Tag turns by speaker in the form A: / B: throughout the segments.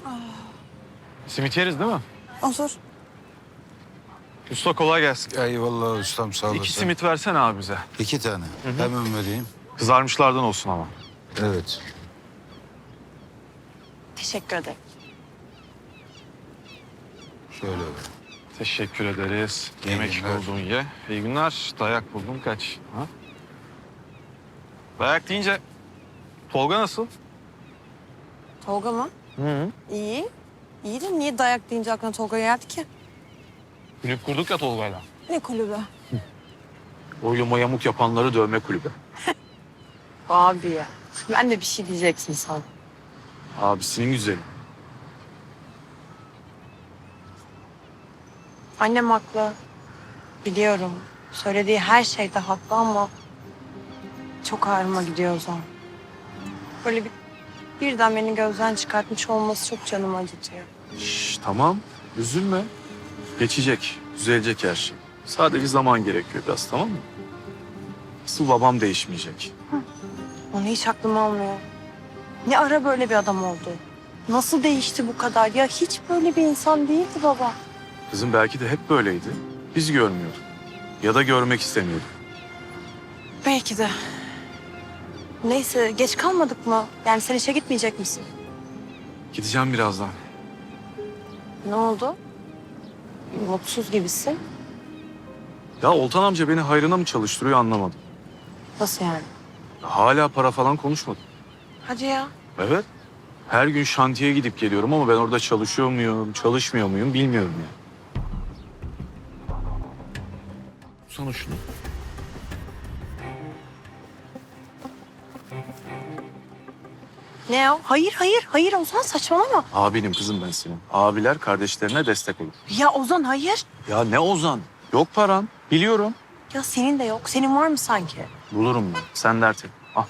A: Simit yeriz değil mi?
B: Olur.
A: Usta kolay gelsin.
C: Eyvallah ustam sağ olasın.
A: 2 simit versene abi bize.
C: 2 tane. Hemen vereyim.
A: Kızarmışlardan olsun ama.
C: Evet.
B: Teşekkür ederim.
C: Şöyle ver.
A: Teşekkür ederiz.
C: İyi
A: Yemek
C: günler.
A: buldun ye. İyi günler. Dayak buldun kaç. Ha? Dayak deyince Tolga nasıl?
B: Tolga mı?
A: Hı.
B: İyi. İyi de niye dayak deyince aklına Tolga geldi ki?
A: Kulüp kurduk ya Tolga'yla.
B: Ne kulübü?
A: Oyluma yamuk yapanları dövme kulübü.
B: Abi ya. Ben de bir şey diyeceksin sen.
A: Abisinin güzeli.
B: Annem haklı. Biliyorum. Söylediği her şeyde haklı ama çok ağrıma gidiyor o zaman. Böyle birden beni gözden çıkartmış olması çok canımı acıtıyor.
A: Şş, tamam. Üzülme. Geçecek. Düzelecek her şey. Sadece zaman gerekiyor biraz, tamam mı? Asıl babam değişmeyecek.
B: Onu hiç aklıma almıyor. Ne ara böyle bir adam oldu? Nasıl değişti bu kadar? Ya hiç böyle bir insan değildi baba.
A: Kızım belki de hep böyleydi. Biz görmüyorduk. Ya da görmek istemiyorduk.
B: Belki de. Neyse geç kalmadık mı? Yani sen işe gitmeyecek misin?
A: Gideceğim birazdan.
B: Ne oldu? Mutsuz gibisin.
A: Ya Oltan amca beni hayrına mı çalıştırıyor anlamadım.
B: Nasıl yani?
A: Hala para falan konuşmadı.
B: Hadi ya.
A: Evet. Her gün şantiye gidip geliyorum ama ben orada çalışıyor muyum, çalışmıyor muyum bilmiyorum ya. Sana şunu.
B: Ne o? Hayır, hayır, hayır Ozan saçmalama.
A: Abinim kızım ben senin. Abiler kardeşlerine destek olur.
B: Ya Ozan hayır.
A: Ya ne Ozan? Yok paran. Biliyorum.
B: Ya senin de yok. Senin var mı sanki?
A: Bulurum ben. Sen dert et. Al.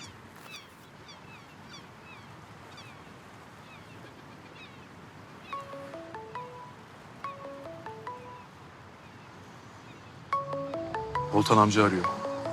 A: Oltan amca arıyor.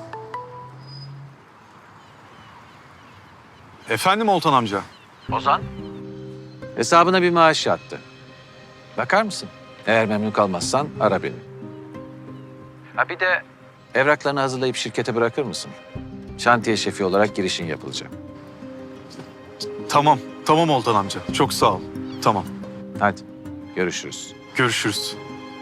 A: Efendim Oltan amca?
D: Ozan? Hesabına bir maaş yattı. Bakar mısın? Eğer memnun kalmazsan ara beni. Ha bir de evraklarını hazırlayıp şirkete bırakır mısın? Şantiye şefi olarak girişin yapılacak.
A: Tamam. Tamam Oltan amca. Çok sağ ol. Tamam.
D: Hadi görüşürüz.
A: Görüşürüz.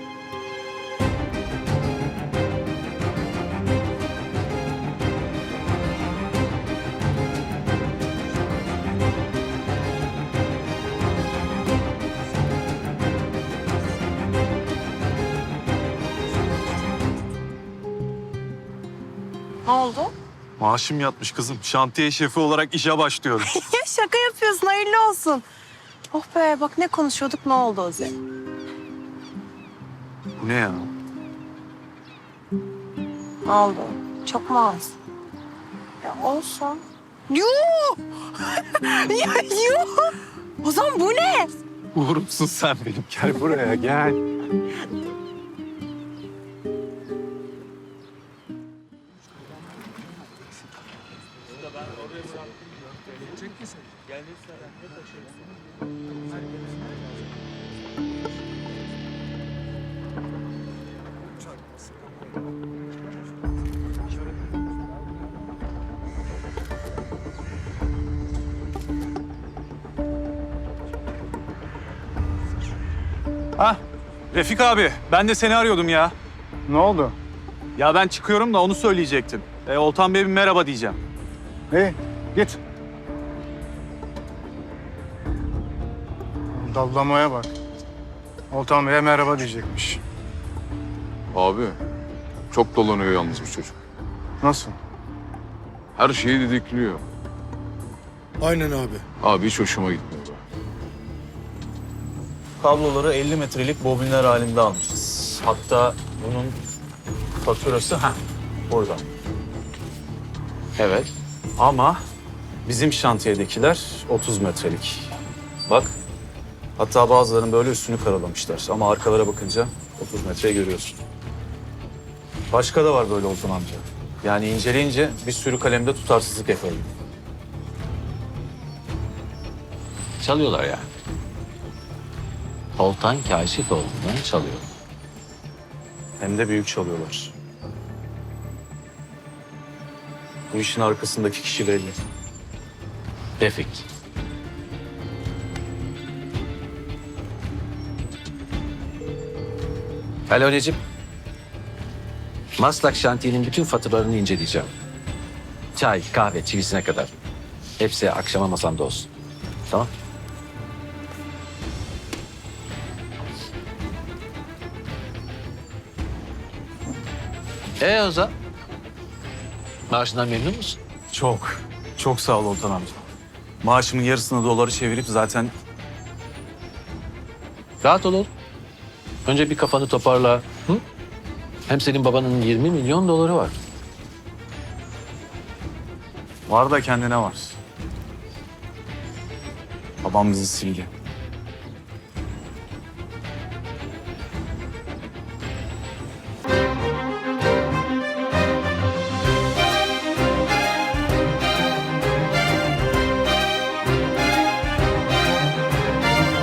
B: Ne oldu?
A: Maaşım yatmış kızım. Şantiye şefi olarak işe başlıyorum.
B: Ya şaka yapıyorsun. Hayırlı olsun. Oh be bak ne konuşuyorduk ne oldu Ozan?
A: Bu ne ya?
B: Ne oldu? Çok mu az? Ya olsun. Yuh! Ya yuh! Ozan bu ne?
A: Uğurumsun sen benim. Gel buraya gel. Hah, Refik abi, ben de seni arıyordum ya.
E: Ne oldu?
A: Ya ben çıkıyorum da onu söyleyecektim. Oltan Bey'e bir merhaba diyeceğim.
E: İyi, git. Dallamaya bak. Oltan Bey'e merhaba diyecekmiş.
F: Abi çok dolanıyor yalnız bu çocuk.
E: Nasıl?
F: Her şeyi didikliyor.
G: Aynen abi.
F: Abi hiç hoşuma gitmiyor.
A: Kabloları 50 metrelik bobinler halinde almışız. Hatta bunun faturası burada.
D: Evet.
A: Ama bizim şantiyedekiler 30 metrelik. Bak. Hatta bazılarının böyle üstünü karalamışlar. Ama arkalara bakınca 30 metreyi görüyorsun. Başka da var böyle Oltan amca. Yani inceleyince bir sürü kalemde tutarsızlık yakaladım.
D: Çalıyorlar yani. Oltan Kaşifoğlu'ndan çalıyor.
A: Hem de büyük çalıyorlar. Bu işin arkasındaki kişi belli.
D: Refik. Alo Necip. Maslak şantiyenin bütün faturalarını inceleyeceğim. Çay, kahve, çivisine kadar. Hepsi akşama masamda olsun. Tamam? Ozan? Maaşından memnun musun?
A: Çok, çok sağ ol Oltan amca. Maaşımın yarısını doları çevirip zaten
D: Rahat ol oğlum. Önce bir kafanı toparla. Hı? Hem senin babanın 20 milyon doları var.
A: var da kendine var. Babam bizi sildi.